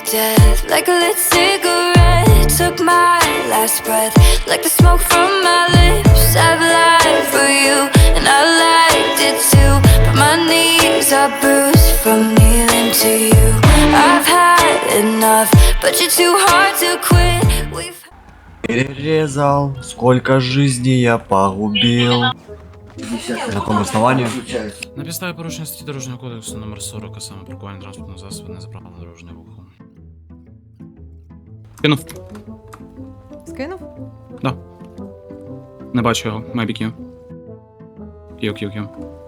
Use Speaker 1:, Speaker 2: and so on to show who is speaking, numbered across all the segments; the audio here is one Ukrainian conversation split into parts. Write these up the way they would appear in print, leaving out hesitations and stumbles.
Speaker 1: death, like a lit cigarette. Took my last breath, like the smoke from my lips. I've lied for you, and I liked it too. But my knees are bruised from kneeling to you. I've had enough, but you're too hard to quit. We've
Speaker 2: Перерезал, сколько жизней я погубил. На каком основании?
Speaker 3: На підставі порушення статті Дорожнього кодексу номер 40, а саме паркування транспортного засобу не за правилами дорожнього руху. Кинув.
Speaker 4: Скинув?
Speaker 3: Да. Не бачу його, maybe Q. Q.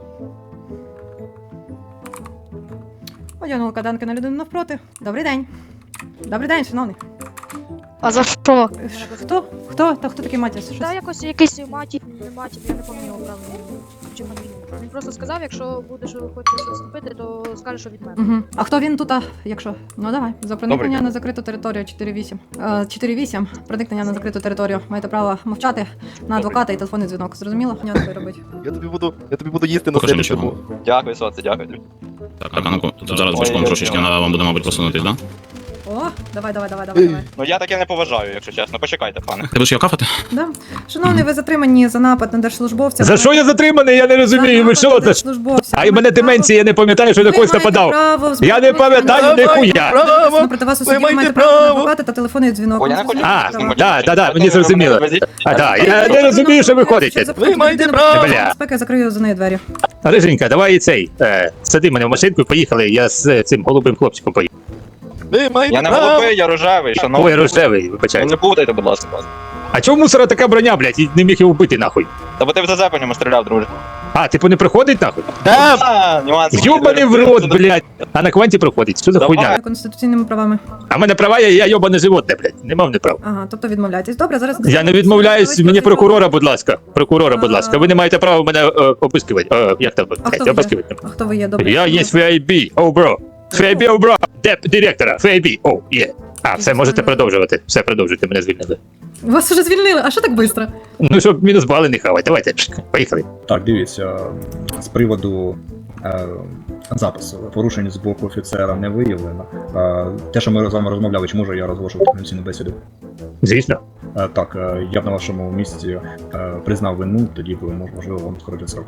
Speaker 4: Одягнула каданки на людину навпроти. Добрий день. Добрий день, шановний.
Speaker 5: А за що?
Speaker 4: Хто? Хто? Та хто такий Матіс? Щось?
Speaker 5: Та якось якийсь матір, не матір, я не пам'ятаю правильно. Чи матір. Він просто сказав, якщо будеш хочеш щось зробити, то скажеш, що від мене.
Speaker 4: Угу. А хто він тут, якщо? Ну давай. За проникнення на закриту територію 4-8. 4-8. Проникнення на закриту територію. Маєте право мовчати на адвоката і телефонний дзвінок. Зрозуміло? Ні, не робити.
Speaker 6: Я тобі буду їсти на
Speaker 3: Покажи
Speaker 6: слідчому.
Speaker 3: нічого.
Speaker 6: Дякую, сонце, дякую.
Speaker 3: Так, а ну-ка, тут зараз бочком трошечки вам буде, мабуть, посунутись, да?
Speaker 4: О, давай.
Speaker 6: Ну я таке не поважаю, якщо чесно. Почекайте, пане.
Speaker 3: Ти будеш його кафати?
Speaker 4: Да. Шановний, ви затримані за напад на держслужбовця.
Speaker 7: За що я затриманий? Я не розумію. Ви що це? А й мене деменція, я не пам'ятаю, що на когось нападав. Я не пам'ятаю ніхуя.
Speaker 4: Проти вас у суді
Speaker 6: Ви маєте
Speaker 4: маєте право на
Speaker 6: право.
Speaker 4: адвоката та телефонний дзвінок.
Speaker 6: Ой, я не хочу.
Speaker 7: Так, мені зрозуміло. А так, я не розумію, що ви ходите.
Speaker 6: Ви маєте право.
Speaker 7: Бля.
Speaker 4: Безпеки, закрию за нею двері.
Speaker 7: Риженька, давай цей, сади мене в машинку і поїхали, я з цим голубим хлопчиком поїду.
Speaker 6: Ви маєте
Speaker 8: Я не
Speaker 6: право.
Speaker 8: голубий, я рожевий, шановний.
Speaker 7: Ой, рожевий,
Speaker 8: Ну,
Speaker 7: вибачайте.
Speaker 8: не путайте, будь ласка.
Speaker 7: А чого в мусора така броня, блядь, і не міг його вбити нахуй?
Speaker 8: Та бо ти в ЗЗ по ньому стріляв, друже.
Speaker 7: А, типу не проходить нахуй?
Speaker 8: Нюанси.
Speaker 7: Йобаний в рот, блядь. А на кванті проходить, що за
Speaker 8: Давай.
Speaker 7: хуйня?
Speaker 4: Конституційними правами.
Speaker 7: А в мене права, я йобане животне, блядь, не мав не прав.
Speaker 4: Ага, тобто відмовляєтесь. Добре, зараз...
Speaker 7: Я не відмовляюсь, мені прокурора, будь ласка. Прокурора, будь ласка. Ви не маєте права мене обискувати. Як там?
Speaker 4: А хто ви
Speaker 7: Обискувати.
Speaker 4: є? А хто ви є? Добре.
Speaker 7: Я є FIB, бро. FIB, бро. Деп директора, FIB, є. А, все, можете продовжувати. Все, продовжуйте, мене звільнили.
Speaker 4: Вас вже звільнили, а що так швидко?
Speaker 7: Ну, щоб мінус бали не хавати. Давайте, поїхали.
Speaker 9: Так, дивіться, з приводу запису порушень з боку офіцера не виявлено. Те, що ми з вами розмовляли, чи можу я розголошувати конфіденційну бесіду?
Speaker 7: Звісно.
Speaker 9: Так, я б на вашому місці признав вину, тоді б можливо вам скоротити срок.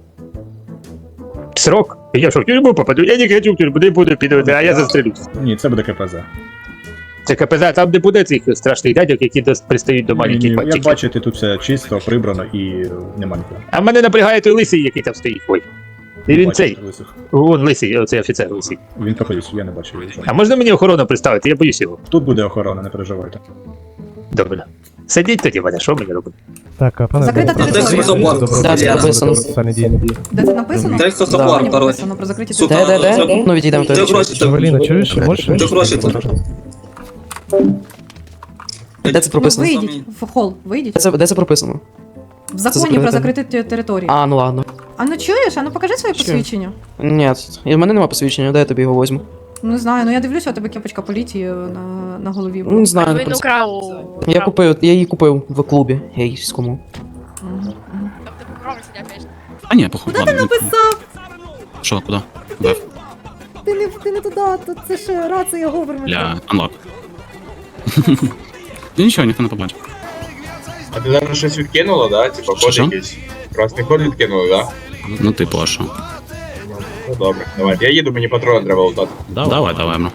Speaker 7: Срок? Я що, в тюрму попаду? Я не хочу в тюрму, не буду підвати, а я застрелюсь.
Speaker 9: Ні, це буде КПЗ.
Speaker 7: Це КПЗ, там не буде цих страшних дядьок, які пристають до маленьких
Speaker 9: Як
Speaker 7: пальчиків.
Speaker 9: бачите, тут все чисто, прибрано і нема нікого.
Speaker 7: А мене напрягає той лисий, який там стоїть. Ой. І він
Speaker 9: Бачите
Speaker 7: цей.
Speaker 9: лисих?
Speaker 7: Вон лисий, оцей офіцер лисий.
Speaker 9: Він проходить, я не бачу його.
Speaker 7: А можна мені охорону представити? Я боюсь його.
Speaker 9: Тут буде охорона, не переживайте.
Speaker 7: Добре. Сидіть тоді, Ваня, що мені робити?
Speaker 10: Так, а пане...
Speaker 4: Закрита територія.
Speaker 10: Так, це написано. Соціальні дії.
Speaker 4: Де це написано?
Speaker 10: Текст
Speaker 4: Законі написано про закриті території.
Speaker 10: Де? Ну, відійдемо тоді. Жавеліна, чуєш? Можеш? Де це
Speaker 4: Ну,
Speaker 10: прописано?
Speaker 4: вийдіть в хол, вийдіть.
Speaker 10: Де це прописано?
Speaker 4: В законі про закриті території.
Speaker 10: А, ну ладно.
Speaker 4: А ну чуєш? А ну покажи своє
Speaker 10: Чую.
Speaker 4: посвідчення.
Speaker 10: Ні, і в мене нема посвідчення, де я тобі його візьму?
Speaker 4: Не знаю, ну я дивлюся, у тебе кепочка поліції на голові.
Speaker 10: Ну, не знаю, не про це. Я її купив в клубі гейському.
Speaker 3: А ні, похуй,
Speaker 4: Куди ти
Speaker 3: ладно.
Speaker 4: написав?
Speaker 3: Що, куди? Куди?
Speaker 4: Ти не туди, тут це ж рація говорить.
Speaker 3: Для unlock. Ну нічого, ніхто не побачив.
Speaker 11: А ти зараз щось відкинуло, да? Типа код
Speaker 3: Що?
Speaker 11: якийсь. Красний код відкинули, да?
Speaker 3: Ну типу, а що?
Speaker 11: Ну добре, давай. Я їду, мені патрони треба лутати.
Speaker 3: Давай, бро.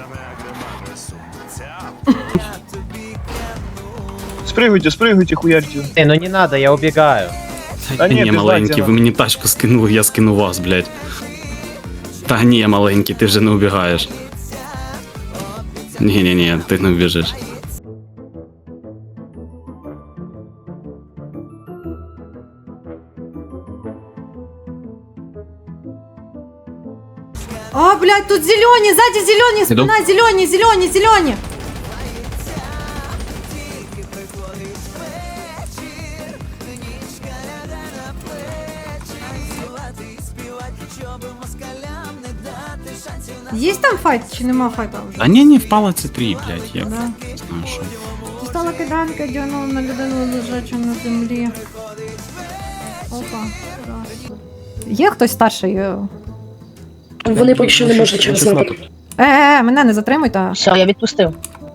Speaker 6: Спрыгуйте, хуярьте.
Speaker 10: Ну не надо, я убегаю.
Speaker 6: Та ні,
Speaker 3: Ні,
Speaker 6: ти
Speaker 3: маленький,
Speaker 6: ззаді,
Speaker 3: ви мені тачку скинули, я скину вас, блядь. Та ні, маленький, ти вже не убігаєш. Ні, ти не вбіжиш.
Speaker 4: А, блядь, тут зелені, сзади зелені, спина зелені. Є там файт чи нема файта вже?
Speaker 3: А ні, впала це 3, блядь, як.
Speaker 4: Да.
Speaker 3: Не знаю, що.
Speaker 4: Дістала киданка, дьонула на людину лежачу на землі. Опа. Раз. Є хтось старший?
Speaker 5: Вони поки що не можуть через напад.
Speaker 4: Мене не затримуйте.
Speaker 5: Все, я відпустив.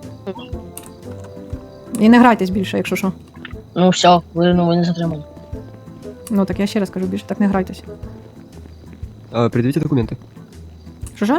Speaker 4: І не грайтесь більше, якщо що.
Speaker 5: Ну все, ви не затримали.
Speaker 4: Ну так я ще раз кажу, більше так не грайтесь.
Speaker 10: Пред'явіть документи.
Speaker 4: Що?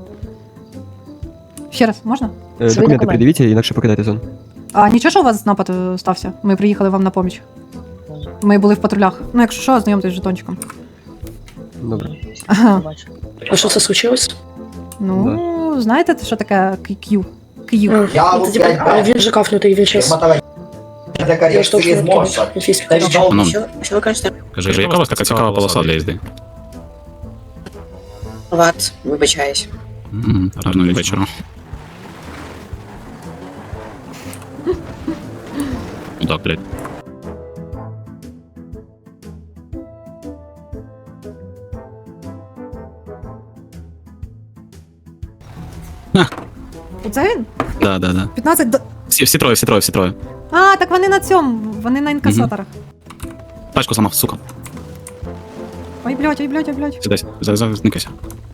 Speaker 4: Ще раз, можна?
Speaker 5: Документи пред'явіть,
Speaker 10: інакше покидайте зону.
Speaker 4: А нічого, що у вас напад стався? Ми приїхали вам на поміч. Ми були в патрулях. Ну, якщо що, знайомтесь з жетончиком.
Speaker 10: Добре.
Speaker 4: Ага.
Speaker 5: А що це случилось?
Speaker 4: Ну, знаєте, що таке Q? Q.
Speaker 5: Він же кафнутий, він щас. Я штовхну.
Speaker 3: Що ви кажете? Кажи, яка у вас така цікава полоса для їзди?
Speaker 5: Ват, вибачаюсь.
Speaker 3: Гарного вечора. Так, блядь.
Speaker 4: Це він?
Speaker 3: Да.
Speaker 4: 15 до...
Speaker 3: Всі троє.
Speaker 4: А, так вони на цьому, вони на інкасаторах.
Speaker 3: Тачку сама, сука.
Speaker 4: Ой, блядь.
Speaker 3: Сідайся, зараз зникайся.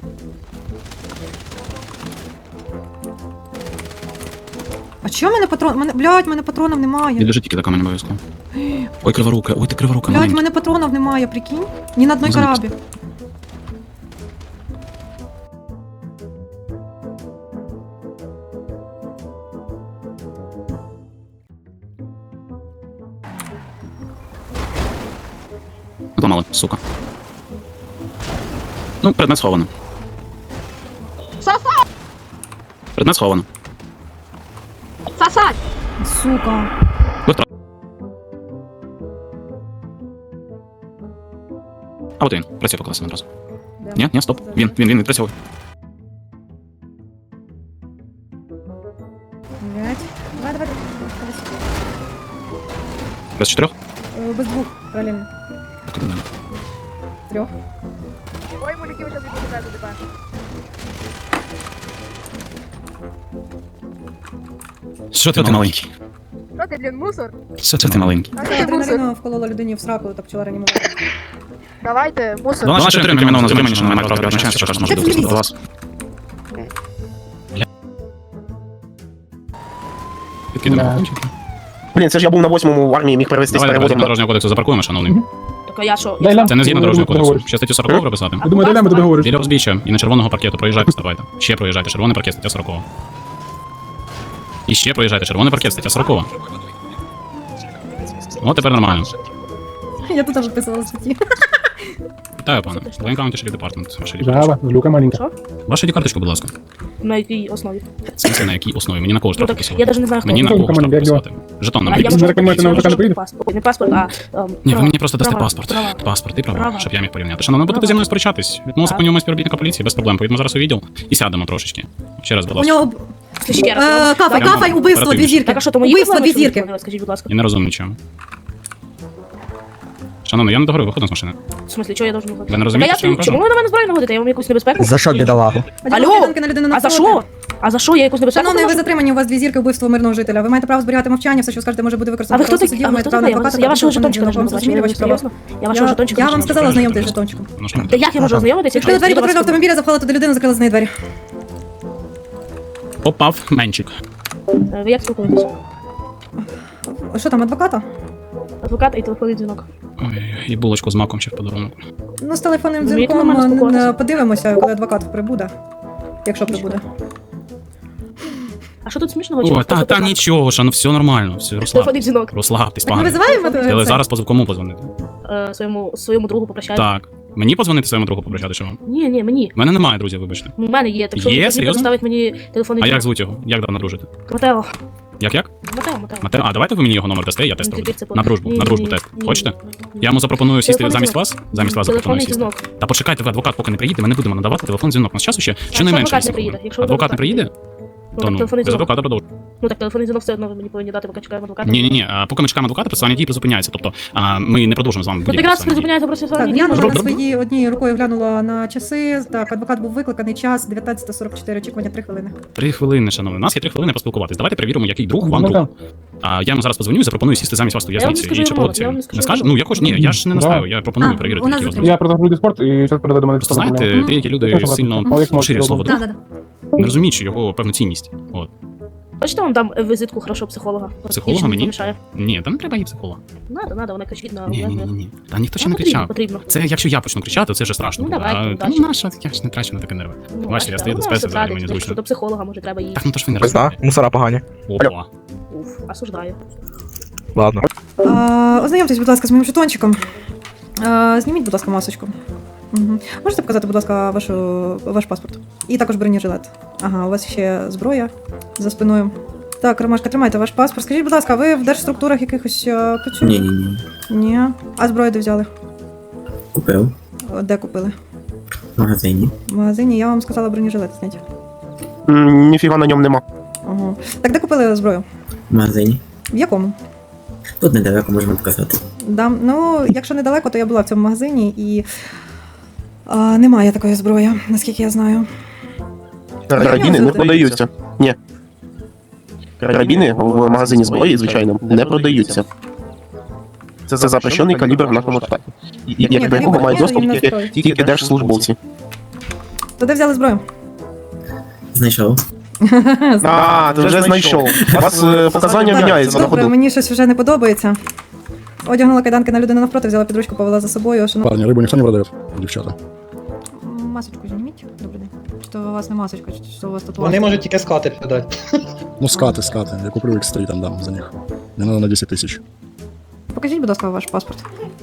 Speaker 4: А чого в мене патрон? Мене патронів немає.
Speaker 3: Відлежи тільки така мені обов'язково. Ой, криворука, ой, ти криворука,
Speaker 4: Блядь, в
Speaker 3: маленька.
Speaker 4: мене патронів немає, прикинь? Ні на одній
Speaker 3: Зараз.
Speaker 4: карабі.
Speaker 3: Зламали, сука. Ну, предмет сховано. Предмет сховано.
Speaker 4: Сука.
Speaker 3: А от він, працює по класу одразу. Ні, стоп. Він відпрацьовує.
Speaker 4: Блядь. Давай.
Speaker 3: Без 4?
Speaker 4: Без двох, паралельно. Трьох.
Speaker 5: Ой, мужики, ви зараз відпускаєте тебе.
Speaker 3: Що ти маленький?
Speaker 5: Що ти, блін, мусор?
Speaker 3: Що ти маленький?
Speaker 4: Адреналіну вколола людині в сраку та почала реанімувати.
Speaker 5: Давайте, мусор.
Speaker 3: До нашої отримання мене на затримання, що немає права передбачення, що може допустити до вас. Підкидаємо.
Speaker 6: Блін, це ж я був на 8-му в армії, міг перевестись
Speaker 3: Давай
Speaker 6: переводом.
Speaker 3: дорожнього кодексу запаркуємо, шановний.
Speaker 5: Так а я що?
Speaker 3: Це не згідно дорожнього кодексу. Ще статтю 40 прописати.
Speaker 5: Я думаю,
Speaker 6: даємо тобі говориш.
Speaker 3: Біля узбіччя і на червоного паркету проїжджайте, ставайте. Ще проїжджайте, червоний паркет, стаття 40. І ще проїжджайте, червоний паркет, стаття 40. От тепер нормально.
Speaker 4: Я тут теж писала статті.
Speaker 3: Вітаю, пане. Воєнкомат Шериф Департмент. Ваша
Speaker 6: Жаба, люка маленька.
Speaker 3: Ваша ID-карточку, будь ласка.
Speaker 5: На якій основі?
Speaker 3: В смысле, на якій основі? Мені на кого штраф
Speaker 5: Я
Speaker 3: писати?
Speaker 5: навіть не знаю, хто.
Speaker 3: Мені на
Speaker 6: Хто?
Speaker 3: кого штраф
Speaker 6: Командир,
Speaker 3: писати? Жетон нам
Speaker 5: А я
Speaker 3: приписати.
Speaker 5: можу
Speaker 6: рекомендувати на адвоката прийде?
Speaker 5: паспорт. Не паспорт, а...
Speaker 3: Ні, ви мені просто дасте
Speaker 5: права,
Speaker 3: паспорт.
Speaker 5: права.
Speaker 3: Паспорт і права,
Speaker 5: Права.
Speaker 3: щоб я міг порівняти. Шановно, будете зі мною сперечатись. Відмовимо законнього співробітника поліції, без проблем. Поїдемо зараз у відділ і сядемо трошечки. Ще раз, будь
Speaker 4: У
Speaker 3: ласка.
Speaker 4: нього
Speaker 5: Ще раз.
Speaker 4: кафай, убивство, дві зірки.
Speaker 5: Так, а що, то мої
Speaker 4: Убивство,
Speaker 5: проблеми,
Speaker 4: дві
Speaker 5: що ви
Speaker 4: зірки.
Speaker 5: зробили? Скажіть, будь ласка.
Speaker 3: Я не розумію нічого. Шановно, я не договорив, виходимо з машини.
Speaker 5: В смислі, чого я должен виходити?
Speaker 3: Ви не розумієте, що я вам кажу?
Speaker 5: Чому ви на мене зброю наводите? Я вам якусь небезпеку?
Speaker 10: За що, бідолагу?
Speaker 5: Алло! А за що? А за що? Я якусь небезпеку?
Speaker 4: Шановний, ви
Speaker 5: приношу?
Speaker 4: затримані, у вас дві зірки вбивство мирного жителя. Ви маєте право зберігати мовчання, все, що скажете, може бути використано
Speaker 5: А ви хто
Speaker 4: проти
Speaker 5: такий?
Speaker 4: судів,
Speaker 5: А ви
Speaker 4: маєте
Speaker 5: хто
Speaker 4: право на
Speaker 5: такий?
Speaker 4: адвоката.
Speaker 5: Я вашого
Speaker 4: також
Speaker 5: жетончика
Speaker 4: вам
Speaker 5: не
Speaker 4: зрозуміли ваші права.
Speaker 5: серйозно? Я вашого жетончика
Speaker 4: Я
Speaker 5: не
Speaker 4: вам
Speaker 5: знаю.
Speaker 4: сказала знайомтесь з жетончиком.
Speaker 3: Ну, що?
Speaker 5: Та як я можу ознайомитися, якщо
Speaker 4: Відкрили двері
Speaker 5: я до вас
Speaker 4: патрульного автомобіля, запхали туди людину, закрили з неї двері.
Speaker 3: Попав менчик.
Speaker 5: Ви як спілкуєтесь?
Speaker 4: Що там, адвоката?
Speaker 5: Адвокат і телефонний дзвінок.
Speaker 3: Ой, і булочку з маком ще в подарунок.
Speaker 4: Ну, з телефонним
Speaker 5: Вмієте
Speaker 4: дзвінком
Speaker 5: нормально спілкуватися?
Speaker 4: подивимося, коли адвокат прибуде. Якщо прибуде.
Speaker 5: А що тут смішного?
Speaker 3: О, та нічого, що, ну все нормально, все,
Speaker 5: Телефонний дзвінок.
Speaker 3: розслабтесь,
Speaker 4: Так ми
Speaker 3: пане.
Speaker 4: визиваємо
Speaker 3: Але
Speaker 4: це?
Speaker 3: зараз кому позвонити?
Speaker 5: Своєму другу попрощати.
Speaker 3: Так. Мені позвонити своєму другу попрощати, що вам?
Speaker 5: Ні, мені.
Speaker 3: У мене немає друзів, вибачте.
Speaker 5: У мене є, так що
Speaker 3: Є?
Speaker 5: він
Speaker 3: Серйозно?
Speaker 5: поставить мені телефонний
Speaker 3: А як
Speaker 5: дзвінок.
Speaker 3: звуть його? Як давно дружите?
Speaker 5: Матео.
Speaker 3: Як?
Speaker 5: Матео.
Speaker 3: Матео, а давайте ви мені його номер дасте, я тест
Speaker 5: Ну,
Speaker 3: роблю.
Speaker 5: тепер це по-
Speaker 3: На дружбу,
Speaker 5: Ні,
Speaker 3: на дружбу
Speaker 5: ні,
Speaker 3: тест.
Speaker 5: ні,
Speaker 3: Хочете?
Speaker 5: ні.
Speaker 3: Я йому запропоную сісти
Speaker 5: Телефонний
Speaker 3: замість
Speaker 5: дзвінок.
Speaker 3: вас? Замість вас запропоную
Speaker 5: Телефонний
Speaker 3: сісти.
Speaker 5: дзвінок.
Speaker 3: Та почекайте, ви адвокат поки не приїде, ми не будемо надавати телефон дзвінок. У нас часу ще щонайменше.
Speaker 5: адвокат не
Speaker 3: 10
Speaker 5: приїде?
Speaker 3: хвилин.
Speaker 5: Якщо
Speaker 3: Адвокат не
Speaker 5: адвокат
Speaker 3: приїде?
Speaker 5: Ну,
Speaker 3: То
Speaker 5: так
Speaker 3: ну,
Speaker 5: телефонний
Speaker 3: без
Speaker 5: дзвінок.
Speaker 3: адвоката продовжуємо.
Speaker 5: Ну так телефонний дзвінок все одно ви мені повинні дати, поки чекаємо адвоката.
Speaker 3: Ні, поки ми чекаємо адвоката, процесуальні дії призупиняються. Тобто ми не продовжимо з вами
Speaker 5: Ну
Speaker 3: будь-які
Speaker 5: якраз
Speaker 3: процесуальні дії.
Speaker 5: призупиняється процесуальні
Speaker 4: Так,
Speaker 5: дії.
Speaker 4: я
Speaker 3: Добре,
Speaker 4: на
Speaker 3: добре.
Speaker 4: своїй однією рукою глянула на часи. Так, адвокат був викликаний, час 19:44, очікування 3 хвилини.
Speaker 3: 3 хвилини, шановні. У нас є 3 хвилини поспілкуватись. Давайте перевіримо, який друг вам друг. А я йому зараз позвоню і запропоную сісти замість вас у в'язниці.
Speaker 5: скажу
Speaker 3: І чи
Speaker 5: йому,
Speaker 3: погодиться
Speaker 5: я
Speaker 3: він?
Speaker 5: вам скажу
Speaker 3: Не скаже?
Speaker 5: йому.
Speaker 3: Ну, я хочу, ні, я ж не настаю, я пропоную
Speaker 4: А,
Speaker 3: перевірити,
Speaker 4: у нас
Speaker 3: які
Speaker 4: затримання.
Speaker 6: Я продав спорт і зараз передаю до мене.
Speaker 3: Знаєте, деякі люди сильно поширюють слово
Speaker 4: Да,
Speaker 3: друг,
Speaker 4: да, да.
Speaker 3: не розуміючи його певну цінність. От.
Speaker 5: Хочете вам дам візитку хорошого психолога?
Speaker 3: Психолога
Speaker 5: Нічого не
Speaker 3: мені?
Speaker 5: помішає.
Speaker 3: Ні, та не треба їй психолога.
Speaker 5: Надо, вона кричить на
Speaker 3: Ні. Та ніхто ще
Speaker 5: Ну,
Speaker 3: не кричав.
Speaker 5: потрібно.
Speaker 3: Це якщо я почну кричати, це вже страшно
Speaker 5: Ну,
Speaker 3: буде.
Speaker 5: давайте,
Speaker 3: А
Speaker 5: удачі.
Speaker 3: ну наша, я ж не трачу на таке нерви. Бачите, я стою до спеці, взагалі мені зручно.
Speaker 5: До психолога, може, треба їй.
Speaker 3: Так, ну то ж ви не
Speaker 11: Весна,
Speaker 3: розумієте.
Speaker 11: мусора погані.
Speaker 3: Опа.
Speaker 5: Уф, осуждаю.
Speaker 11: Ладно.
Speaker 4: Ознайомтесь, будь ласка, з моїм жетончиком. Зніміть, будь ласка, масочку. Угу. Можете показати, будь ласка, ваш паспорт? І також бронежилет. Ага, у вас ще зброя за спиною. Так, Ромашка, тримайте ваш паспорт. Скажіть, будь ласка, ви в держструктурах якихось працюєте?
Speaker 10: Ні.
Speaker 4: Ні. А зброю де взяли?
Speaker 10: Купив
Speaker 4: Де купили?
Speaker 10: в магазині.
Speaker 4: В магазині, я вам сказала бронежилет зняти.
Speaker 6: Ніфіга на ньому нема.
Speaker 4: Ага. Так, де купили зброю?
Speaker 10: В магазині.
Speaker 4: В якому?
Speaker 10: Тут недалеко можемо показати.
Speaker 4: Да. Ну, якщо недалеко, то я була в цьому магазині і немає такої зброї, наскільки я знаю.
Speaker 6: Карабіни не продаються. Ні. Карабіни в магазині зброї, звичайно, не продаються. Це запрещений калібр в нашому штаті. Як до якого мають доступ тільки держслужбовці.
Speaker 4: То де взяли зброю?
Speaker 10: Знайшов.
Speaker 6: А, ти вже знайшов. У вас показання міняються на
Speaker 4: Добре,
Speaker 6: ходу.
Speaker 4: мені щось вже не подобається. Одягнула кайданки на людину навпроти, взяла підручку, повела за собою.
Speaker 9: Парни, рыбу никто не продает, девчата.
Speaker 4: Масочку зніміть. Добрий день. Що у вас не масочка, чи що у вас тут?
Speaker 8: Вони можуть тільки скати подати.
Speaker 9: Ну, скаты. Я куплю X3 там дам за них. Мне надо на 10 тысяч.
Speaker 4: Покажіть, будь ласка, ваш паспорт.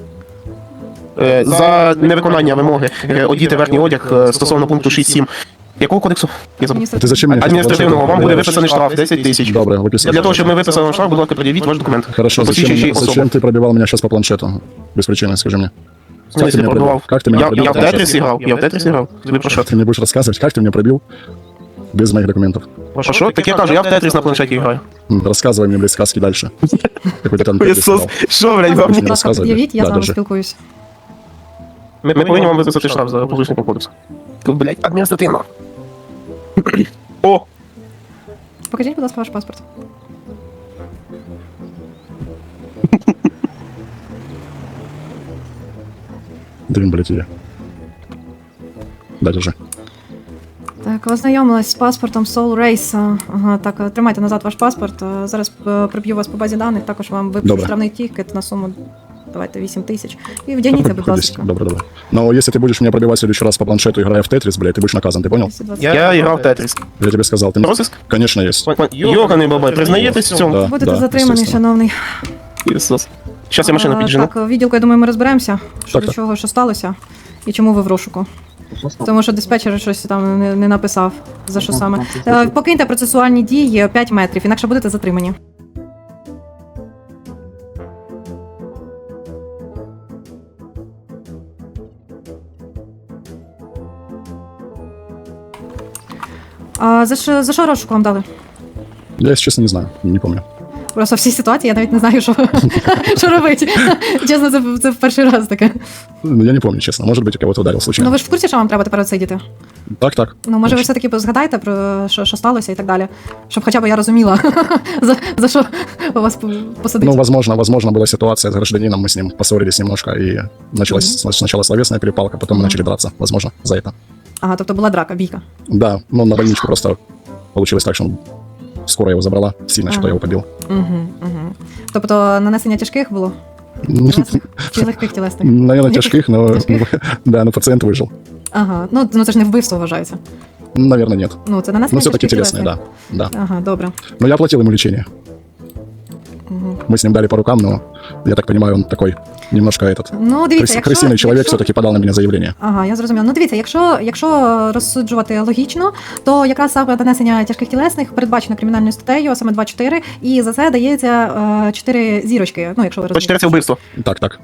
Speaker 6: За невиконання вимоги одіти верхній одяг стосовно пункту 6.7. Якого кодексу? Я забув.
Speaker 9: Ты зачем мне?
Speaker 6: Адміністративного, вам буде виписаний штраф 10 тисяч.
Speaker 9: Добре, выписывай.
Speaker 6: Для того, щоб ми виписали вам штраф, будь ласка, пред'явіть ваш документ.
Speaker 9: Хорошо,
Speaker 6: Посвідчуючий особу.
Speaker 9: зачем ты пробивал меня сейчас по планшету? Без причины, скажи мне.
Speaker 6: В смысле
Speaker 9: меня
Speaker 6: пробивав?
Speaker 9: Как ты меня
Speaker 6: Я
Speaker 9: пробил?
Speaker 6: в Тетрис грав, Тобі про що?
Speaker 9: Ты мне будешь рассказывать, как ты меня пробил без моих документов?
Speaker 6: Про що? Так я кажу, я в Тетрис на планшеті граю.
Speaker 9: Рассказывай мне, блядь, сказки дальше. Какой-то там Тетрис сказал.
Speaker 6: Що, блядь, вам?
Speaker 9: Мені
Speaker 4: Будь ласка,
Speaker 9: розказуй,
Speaker 4: під'явіть, я
Speaker 9: да,
Speaker 4: з вами
Speaker 9: держи.
Speaker 4: спілкуюсь.
Speaker 6: Ми повинні вам виписати штраф за порушення кодексу. Блядь, адміністративно. О!
Speaker 4: Покажіть, будь ласка, ваш паспорт.
Speaker 9: Дрин, блядь, я. Да, держи.
Speaker 4: Так, ознайомилась з паспортом Soul Race. Ага, так, тримайте назад ваш паспорт. Зараз приб'ю вас по базі даних, також вам випишу
Speaker 9: Добре.
Speaker 4: штрафний тікет на суму, давайте, 8 тисяч. І вдягніться, будь
Speaker 9: Ходи,
Speaker 4: ласка.
Speaker 9: добре. Но если ты будешь меня пробивать в следующий раз по планшету, играя в Тетрис, блядь, ты будешь наказан, ты понял?
Speaker 4: 220.
Speaker 6: Я грав в Тетрис.
Speaker 9: Я тебе сказал, ты...
Speaker 6: Розыск?
Speaker 9: Конечно, есть.
Speaker 6: Йоганий бабай, признаєтесь в цьому?
Speaker 9: Да,
Speaker 4: Будете
Speaker 9: да,
Speaker 4: затримані,
Speaker 9: естественно.
Speaker 4: шановний.
Speaker 6: Ісус. Щас я машину піджену.
Speaker 4: Так, відділку, я думаю, ми розберемося, що
Speaker 9: Так,
Speaker 4: до
Speaker 9: так.
Speaker 4: чого, що сталося, і чому ви в розшуку. Тому що диспетчер щось там не написав, за що саме. Покиньте процесуальні дії 5 метрів, інакше будете затримані. А за що розшуку вам дали?
Speaker 9: Я, если честно, не знаю, не помню.
Speaker 4: Просто в цій ситуації я навіть не знаю, що, що робити. Чесно, це в перший раз таке.
Speaker 9: Ну, я не помню, честно. Может быть, я кого-то ударил
Speaker 4: Ну
Speaker 9: случайно.
Speaker 4: ви ж в курсі, що вам треба тепер отсидіти?
Speaker 9: Так.
Speaker 4: Ну, може, ви все-таки згадаєте про що сталося і так далі, щоб хоча б я розуміла, за що вас посадить.
Speaker 9: Ну, возможно, была ситуация с гражданином, мы с ним поссорились немножко, и началась сначала словесная перепалка, потом мы начали драться, возможно, за это.
Speaker 4: Ага, тобто була драка, бійка.
Speaker 9: Да, но на больничку просто получилось так, что скоро его забрала, сильно что-то
Speaker 4: Ага.
Speaker 9: я его побил.
Speaker 4: Угу. Тобто нанесення тяжких було? Чи легких тілесних?
Speaker 9: Наверное,
Speaker 4: Легких?
Speaker 9: тяжких, но
Speaker 4: Тяжких?
Speaker 9: да, но пациент выжил.
Speaker 4: Ага, ну це ж не вбивство вважається.
Speaker 9: Наверное, нет.
Speaker 4: Ну, це
Speaker 9: Но
Speaker 4: нанесення
Speaker 9: все-таки
Speaker 4: тяжких
Speaker 9: телесные,
Speaker 4: тілесних.
Speaker 9: да.
Speaker 4: Ага, добре.
Speaker 9: Но я оплатил ему лечение.
Speaker 4: Угу.
Speaker 9: Мы с ним дали по рукам, но я так понимаю, он такой немножко этот
Speaker 4: Ну, дивіться,
Speaker 9: крысиный человек все-таки подал на меня заявление.
Speaker 4: Ага, я зрозуміла. Ну, дивіться, якщо розсуджувати логічно, то якраз саме нанесення тяжких тілесних передбачено кримінальною статтею, а саме 2.4, і за це дається 4 зірочки. Ну, якщо ви
Speaker 6: По
Speaker 4: розумієте.
Speaker 6: 4 це вбивство.
Speaker 9: Так.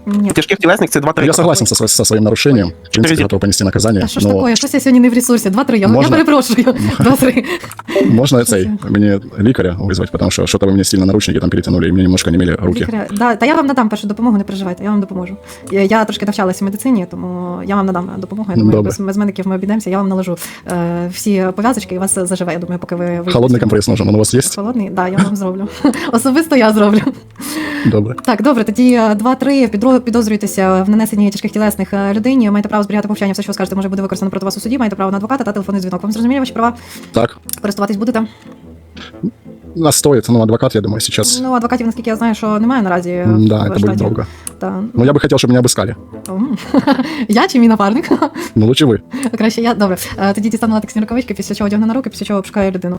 Speaker 4: Ні.
Speaker 6: Тяжких тілесних це 2-3.
Speaker 12: Я согласен со своим нарушением. В принципе, готов понести наказание.
Speaker 4: А що ж
Speaker 12: Но
Speaker 4: таке? Щось я сьогодні не в ресурсі. 2-3. Я
Speaker 12: Можна?
Speaker 4: перепрошую. 2-3.
Speaker 12: можно мне ликаря вызвать, потому что что-то вы мне сильно наручники там перетянули, и мне немножко немели руки.
Speaker 4: Лікаря. Да, та я вам надам першу допомогу, не переживайте, я вам допоможу. Я трошки навчалася в медицині, тому я вам надам допомогу. Я думаю,
Speaker 12: Добре.
Speaker 4: без медиків ми обійдемося, я вам наложу всі пов'язочки і вас заживе, я думаю, поки ви вийдете.
Speaker 12: Холодный компресс нужен, он у вас есть?
Speaker 4: Холодний? Так, да, я вам зроблю. Особисто я зроблю.
Speaker 12: Добре.
Speaker 4: Так, добре, тоді 2-3 підозрюєтеся в нанесенні тяжких тілесних людині, маєте право зберігати мовчання, все, що ви скажете, може бути використано проти вас у суді, маєте право на адвоката та телефонний дзвінок. Вам зрозуміли ваші права?
Speaker 12: Так,
Speaker 4: Користуватись будете?
Speaker 12: нас стоит, адвокат, я думаю, сейчас.
Speaker 4: Ну, адвокатів, наскільки я знаю, що немає наразі.
Speaker 12: Да,
Speaker 4: в
Speaker 12: это будет
Speaker 4: штаті.
Speaker 12: долго.
Speaker 4: Та.
Speaker 12: Но я бы хотел, чтобы меня обыскали.
Speaker 4: Я чи мій напарник?
Speaker 12: Ну, лучше вы.
Speaker 4: Краще я. Добре. Тоді дістану латексні рукавички, після чого одягну на руки, після чого обшукаю людину.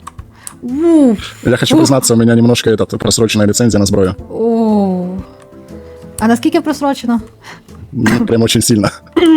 Speaker 12: Я хочу признаться, у меня немножко просроченная лицензия на зброю.
Speaker 4: А наскільки просрочено?
Speaker 12: Ну, прям очень сильно.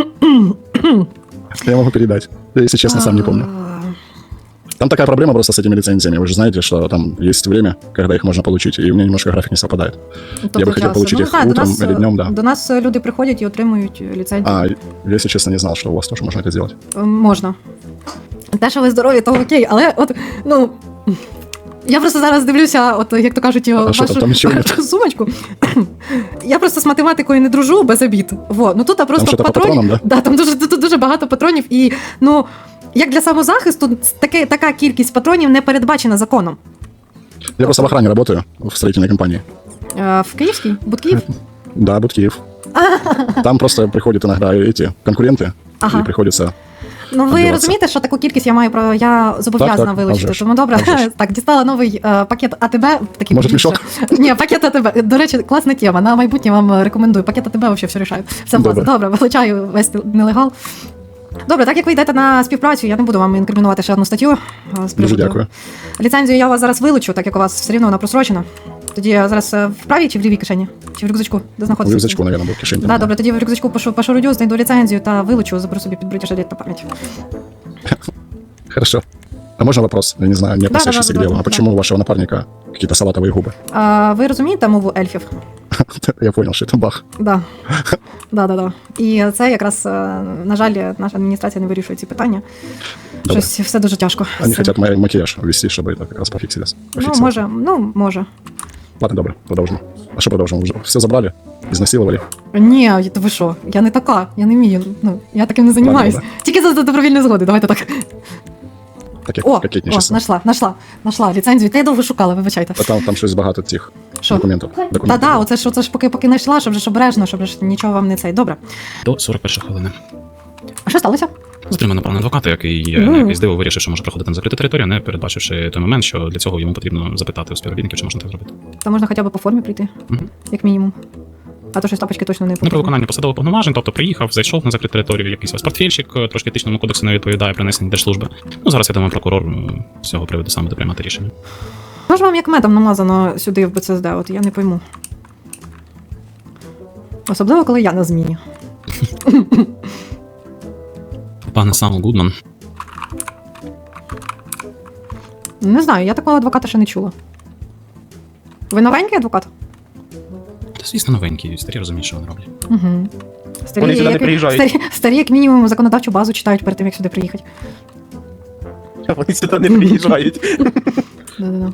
Speaker 12: Я могу передать. Я, если честно, сам не помню. Там такая проблема просто с этими лицензиями. Вы же знаете, что там есть время, когда их можно получить, и у меня немножко график не совпадает. Я бы хотел получить их утром или днем, да.
Speaker 4: До нас люди приходять і отримують ліцензію.
Speaker 12: А, я, если честно, не знал, что у вас тоже можно это сделать.
Speaker 4: Можна. Те, що ви здорові, то окей, але от, ну... Я просто зараз дивлюся, от як то кажуть,
Speaker 12: що там нічого нет?
Speaker 4: сумочку. Я просто з математикою не дружу без обід. Во, ну тут просто
Speaker 12: що-то по
Speaker 4: патронів.
Speaker 12: патронам, да?
Speaker 4: Да, там тут дуже багато патронів, і ну як для самозахисту, така кількість патронів не передбачена законом.
Speaker 12: Я просто в охране работаю, в строительной компании.
Speaker 4: В Київській? Будкиїв?
Speaker 12: Да, Будкиев. Там просто приходят иногда эти конкуренты,
Speaker 4: Ага.
Speaker 12: и приходится...
Speaker 4: Ну ви
Speaker 12: Отбиватися.
Speaker 4: розумієте, що таку кількість я маю право, я зобов'язана
Speaker 12: Так,
Speaker 4: вилучити.
Speaker 12: а вже ж.
Speaker 4: Тому добре,
Speaker 12: А вже ж.
Speaker 4: так, дістала новий пакет АТБ. Такий
Speaker 12: Може,
Speaker 4: більше.
Speaker 12: мішок?
Speaker 4: Ні, пакет АТБ. До речі, класна тема. На майбутнє вам рекомендую. Пакет АТБ взагалі все рішаю. Все
Speaker 12: Добре.
Speaker 4: класно. Добре, вилучаю весь нелегал. Добре, так як ви йдете на співпрацю, я не буду вам інкримінувати ще одну статтю. З
Speaker 12: Дуже
Speaker 4: приводу.
Speaker 12: дякую.
Speaker 4: Ліцензію я у вас зараз вилучу, так як у вас все рівно вона просрочена. Тоді я зараз в правій чи в лівій кишені? Чи в рюкзачку? Де
Speaker 12: В
Speaker 4: знаходиться?
Speaker 12: рюкзачку, наверное, был в кишени.
Speaker 4: Да, добре, тоді в рюкзачку пошурудю, знайду ліцензію та вилучу, заберу собі під бритіш на пам'ять.
Speaker 12: Хорошо. А можно вопрос? Я не знаю, не относящийся к делу. А почему у вашего напарника какие-то салатовые губы?
Speaker 4: Ви розумієте мову ельфів?
Speaker 12: Я понял, что это бах.
Speaker 4: Да. Да. І це якраз, на жаль, наша адміністрація не вирішує ці питання.
Speaker 12: Добре.
Speaker 4: Щось все дуже тяжко.
Speaker 12: Они хотят макияж ввести, чтобы это как раз пофиксилось.
Speaker 4: Ну, може.
Speaker 12: Ладно, добре, продолжим. А что продолжим? Уже все забрали? Изнасиловали?
Speaker 4: Ні, ви що? Я не така, я не вмію. Ну, я таким не займаюсь.
Speaker 12: Ладно.
Speaker 4: Тільки за добровільної згоди, давайте так.
Speaker 12: Таке кокетничество.
Speaker 4: Нашла ліцензію. Та я довго шукала, вибачайте.
Speaker 12: А там щось багато цих
Speaker 4: Що?
Speaker 12: документів.
Speaker 4: Та, оце ж поки знайшла, щоб ж обережно, щоб ж нічого вам не цей. Добре.
Speaker 3: До 41 хвилини.
Speaker 4: А що сталося?
Speaker 3: Затримано пана адвоката, який на якийсь диво вирішив, що може проходити на закриту територію, не передбачивши той момент, що для цього йому потрібно запитати у співробітників, чи можна так зробити.
Speaker 4: Та можна хоча б по формі прийти,
Speaker 3: Мгм.
Speaker 4: як мінімум. А то щось тапочки точно не
Speaker 3: Не про
Speaker 4: потрібно.
Speaker 3: виконання посадових повноважень, тобто приїхав, зайшов на закриту територію, якийсь ось портфельчик, трошки етичному кодексу не відповідає принесення держслужби. Ну, зараз, я думаю, прокурор з цього приводу саме буде приймати рішення.
Speaker 4: Що ж вам як медом намазано сюди в БЦСД, от я не пойму. Особливо, коли я на зміні.
Speaker 3: Пане Сам Гудман,
Speaker 4: Не знаю, я такого адвоката ще не чула. Ви новенький адвокат?
Speaker 3: та звісно новенький, старі розуміють, що вони роблять.
Speaker 4: Угу.
Speaker 6: Вони сюди не приїжджають.
Speaker 4: Старі, як мінімум, законодавчу базу читають перед тим, як сюди приїхати.
Speaker 6: Вони сюди не приїжджають.
Speaker 4: Да-да-да.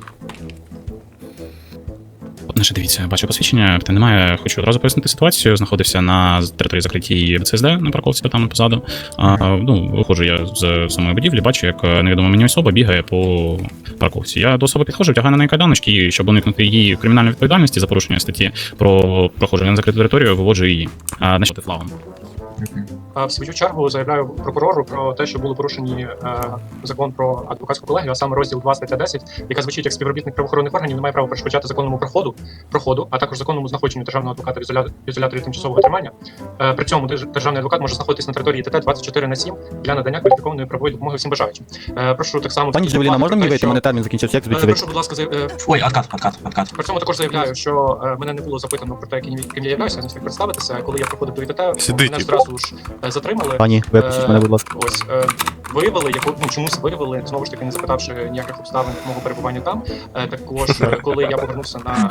Speaker 3: Значить, дивіться, бачу посвідчення, та немає, хочу одразу пояснити ситуацію. Знаходився на території закритій БЦСД на парковці там позаду. Виходжу я з самої будівлі, бачу, як невідома мені особа бігає по парковці. Я до особи підходжу, втягаю на неї кайданочки, і щоб уникнути її кримінальної відповідальності за порушення статті про проходження на закриту територію, виводжу її на флагом.
Speaker 13: В свою чергу заявляю прокурору про те, що були порушені закон про адвокатську колегію, а саме розділ 2 стаття 10, яка звучить як співробітник правоохоронних органів не має права перешкоджати законному проходу, а також законному знаходженню державного адвоката в ізоляторі тимчасового тримання. При цьому державний адвокат може знаходитись на території ТТ 24/7 для надання кваліфікованої правової допомоги всім бажаючим. Прошу так само...
Speaker 14: Пані Джавеліна, можна мені вийти? Мене термін закінчився, як
Speaker 13: Прошу, будь ласка,
Speaker 11: Ой, откат.
Speaker 13: При цьому також заявляю, що мене не було запитано про те, ким я являюся, я не встиг представитися. Коли я проходив до ІТТ, мене зразу одразу ж затримали.
Speaker 14: Пані, випустіть мене, будь ласка.
Speaker 13: Ось виявили, чомусь виявили, знову ж таки, не запитавши ніяких обставин мого перебування там. Також, коли я повернувся на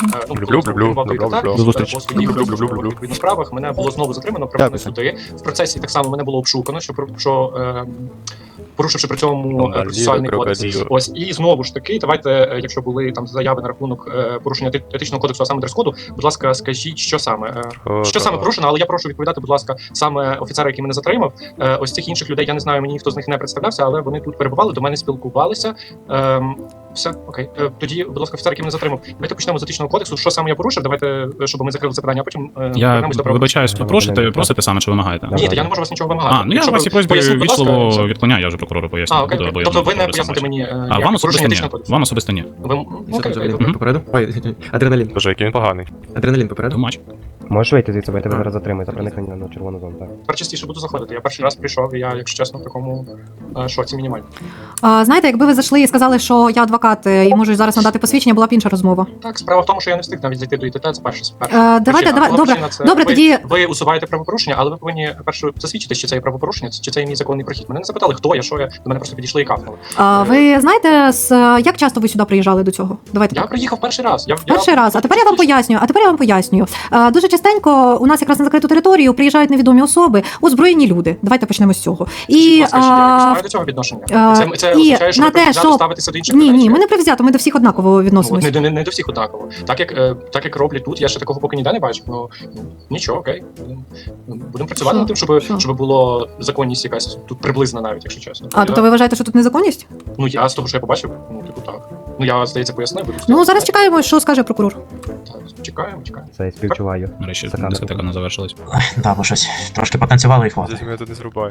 Speaker 13: по своїх відповідно справах, мене було знову затримано, приведено сюди. В процесі так само мене було обшукано, порушивши при цьому процесуальний кодекс. Ось, і знову ж таки, давайте, якщо були там заяви на рахунок порушення етичного кодексу, а саме дрес-коду, будь ласка, скажіть, що саме порушено, але я прошу відповідати, будь ласка, саме офіцера, який мене затримав. Ось цих інших людей, я не знаю, мені ніхто з них не представлявся, але вони тут перебували, до мене спілкувалися. Все, окей. Тоді, будь ласка, офіцер, який мене затримав. Давайте почнемо з етичного кодексу. Що саме я порушив? Давайте, щоб ми закрили це питання, а потім
Speaker 3: Я вибачаюсь, просите саме, чи вимагаєте?
Speaker 13: Ні, я не можу вас нічого вимагати.
Speaker 3: Ну я в вашій просьбі вічливо відклоняю, я вже прокурору поясню.
Speaker 13: Окей. Тобто ви не поясните мені
Speaker 3: вам особисто ні.
Speaker 13: кодексу?
Speaker 3: Вам особисто ні.
Speaker 14: Попереду? Ой, адреналін.
Speaker 11: Боже, який він поганий.
Speaker 14: Адреналін попереду?
Speaker 3: Матч.
Speaker 14: Можеш вийти звідси, бо я тебе зараз затримую за проникнення на червону зону, так.
Speaker 13: Тепер частіше буду заходити. Я перший раз прийшов, і я, якщо чесно, в такому шоці мінімально.
Speaker 4: Знаєте, якби ви зайшли і сказали, що я адвокат і можу зараз надати посвідчення, була б інша розмова.
Speaker 13: Так, справа в тому, що я не встиг навіть зайти до ІТТ, це перша.
Speaker 4: Давайте, добре, тоді...
Speaker 13: Ви усуваєте правопорушення, але ви повинні перше засвідчити, чи це є правопорушення, чи це є мій законний прохід. Мене не запитали, хто я, що я, до мене просто підійшли і кафнули.
Speaker 4: Ви знаєте, як часто ви сюди приїжджали до цього? Давайте.
Speaker 13: Я приїхав перший раз.
Speaker 4: Перший раз. А тепер я вам пояснюю. Дуже частенько у нас якраз на закриту територію приїжджають невідомі особи, озброєні люди. Давайте почнемо з цього. І
Speaker 13: маю до цього відношення. Це означає, що ви привзято ставитеся до інших людей?
Speaker 4: Ні, ми не привзято, ми до всіх однаково відносимося.
Speaker 13: Не до всіх однаково. Так як роблять тут, я ще такого поки ніде не бачив. Ну нічого, окей. Будемо працювати над тим, щоб було законність якась тут приблизна навіть, якщо чесно.
Speaker 4: Тобто ви вважаєте, що тут незаконність?
Speaker 13: Ну я з того, що я побачив, так. Я, здається, пояснив.
Speaker 4: Зараз чекаємо, що скаже прокурор.
Speaker 13: Так, чекаємо.
Speaker 14: Це я співчуваю.
Speaker 3: Нарешті дискотека не завершилась.
Speaker 10: Так, бо щось трошки потанцювали і хватить.
Speaker 11: Я тут не зрубаю.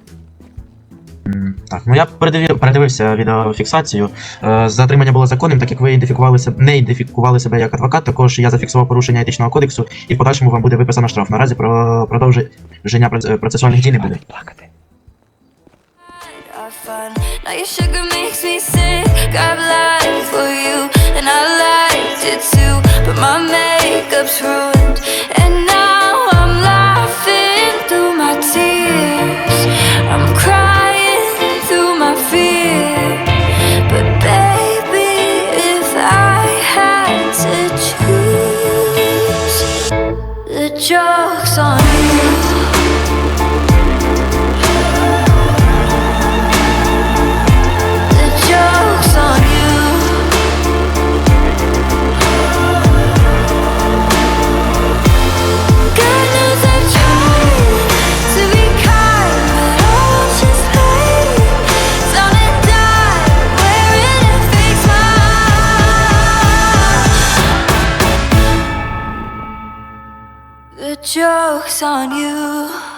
Speaker 10: Так, я передивився відеофіксацію. Затримання було законним, так як ви не ідентифікували себе як адвокат, також я зафіксував порушення етичного кодексу і в подальшому вам буде виписано штраф. Наразі про продовження процесуальних дій не буде.
Speaker 1: Now your sugar makes me sick. I've lied for you, and I liked it too. But my makeup's ruined, and now I'm laughing through my tears. I'm crying through my fear. But baby, if I had to choose, the joke's on you. The joke's on you.